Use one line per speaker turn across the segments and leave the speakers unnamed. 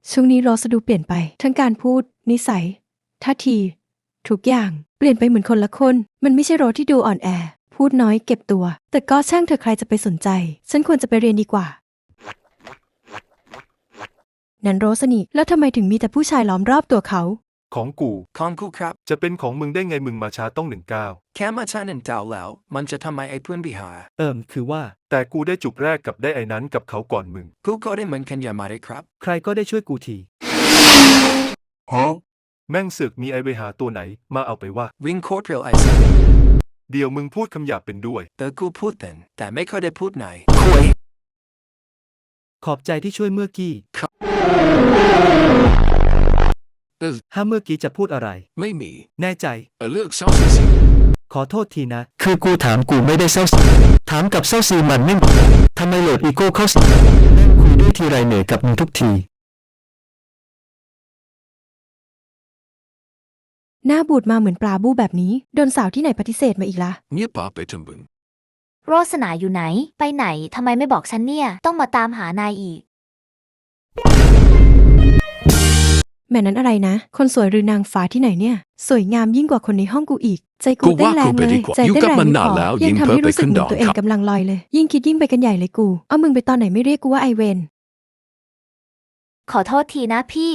ช่วงนี้รอสดูเปลี่ยนไปทั้งการพูดนิสัยท่าทีทุกอย่างเปลี่ยนไปเหมือนคนละคนมันไม่ใช่โรสที่ดูอ่อนแอพูดน้อยเก็บตัวแต่ก็ช่างเธอใครจะไปสนใจฉันควรจะไปเรียนดีกว่านั่นโรสนี่แล้วทำไมถึงมีแต่ผู้ชายล้อมรอบตัวเขา
ของกู
ของกูครับ
จะเป็นของมึงได้ไงมึงมาช้าต้อง19
แค่มาช้า1 ดาวแล้วมันจะทำไมไอ้เพื่อนบิหา
คือว่า
แต่กูได้จุบแรกกับได้ไอ้นั้นกับเขาก่อนมึง
กูก็ได้เหมือนกันอย่ามาได้ครับ
ใครก็ได้ช่วยกูที
แม่งเสือกมีไอเวหาตัวไหนมาเอาไปว่า
วิ่งโคตรเร็วไอ้สัส
เดี๋ยวมึงพูดคำหยาบเป็นด้วย
กูพูดเป็นแต่ไม่ค่อยได้พูดไหนคุย
ขอบใจที่ช่วยเมื่อกี้ ถ้าเมื่อกี้จะพูดอะไร
ไม่มี
แน่ใจ
เลือกเศร้าสิ
ขอโทษทีนะ คือกูถามกูไม่ได้เศร้าถามกับเศร้าซีมันไม่ทำไมโหลดอีโก้เข้าสิคุยด้วยทีไรเหนื่อยกับมึงทุกที
หน้าบูดมาเหมือนปลาบู้แบบนี้โดนสาวที่ไหนปฏิเสธมาอีกละ
เงียบปากไปจนบึง
โรสนาอยู่ไหนไปไหนทำไมไม่บอกฉันเนี่ยต้องมาตามหานายอีก
แม่นั้นอะไรนะคนสวยหรือนางฟ้าที่ไหนเนี่ยสวยงามยิ่งกว่าคนในห้องกูอีกใจกูเต้นแรงเลยใจเต้นแรงไม่พอยังทำให้รู้สึกเหมือนตัวเองกำลังลอยเลยยิ่งคิดยิ่งไปกันใหญ่เลยกูเอามึงไปตอนไหนไม่เรียกกูว่าไอเวน
ขอโทษทีนะพี่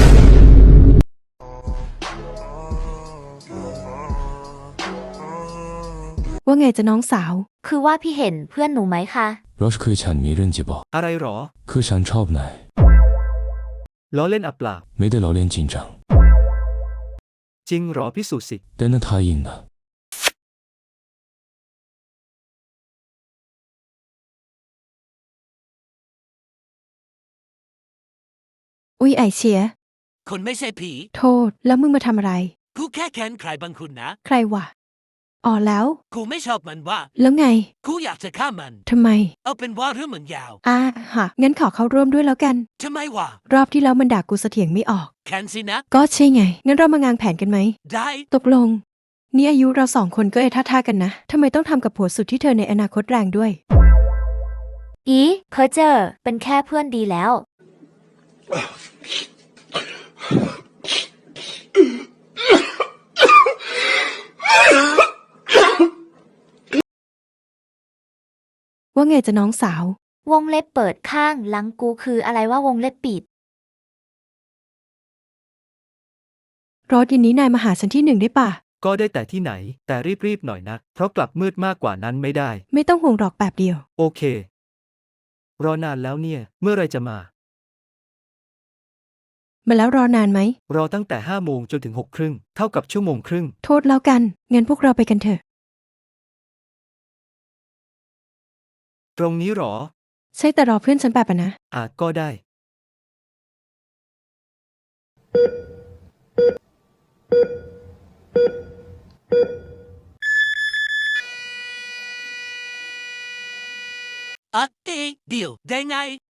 ว่าไงจะน้องสาว
คือว่าพี่เห็นเพื่อนหนูไหมคะ
เรา可以抢迷人节报，
อะไรหรอ
可想超不奶，
ล้อเล่นอับปลา
没得老练紧张，
จริงหรอพิสูจน์สิ
但那他赢呢。
อุ๊ยไอเชีย
คุณไม่ใช่ผี
โทษแล้วมึงมาทำอะไร
กูแค่แค้นใครบางคนนะ
ใครวะอ๋อแล้ว
กูไม่ชอบมันว่า
แล้วไง
กูอยากจะฆ่ามัน
ทำไม
เอาเป็นว่าเรื่องมันยาว
ฮะงั้นขอเข้าร่วมด้วยแล้วกัน
ทำไมวะ
รอบที่แล้วมันด่ากูเสถียงไม่ออก
แค้นสินะ
ก็ใช่ไงงั้นเรามางานแผนกันไหม
ได้
ตกลงนี่อายุเราสองคนก็ท่ากันนะทำไมต้องทำกับผัวสุดที่เธอในอนาคตแรงด้วย
เพอเจอเป็นแค่เพื่อนดีแล้ว
ว่าไงจะน้องสาว
วงเล็บเปิดข้างหลังกูคืออะไรว่าวงเล็บปิด
รถเย็นนี้นายมาหาฉันที่1ได้ป่ะ
ก็ได้แต่ที่ไหนแต่รีบๆหน่อยนะเพราะกลับมืดมากกว่านั้นไม่ได้
ไม่ต้องห่วงหรอกแบบเดียว
โอเครอนานแล้วเนี่ยเมื่อไรจะมา
แล้วรอนานไหม
รอตั้งแต่5 โมงจนถึง6 ครึ่งเท่ากับ1 ชั่วโมงครึ่ง
โทษแล้วกันงั้นพวกเราไปกันเถอะ
ตรงนี้หรอ
ใช่แต่รอเพื่อนฉันแบบนะ
ก็ได้
เดี๋ยวได้ไง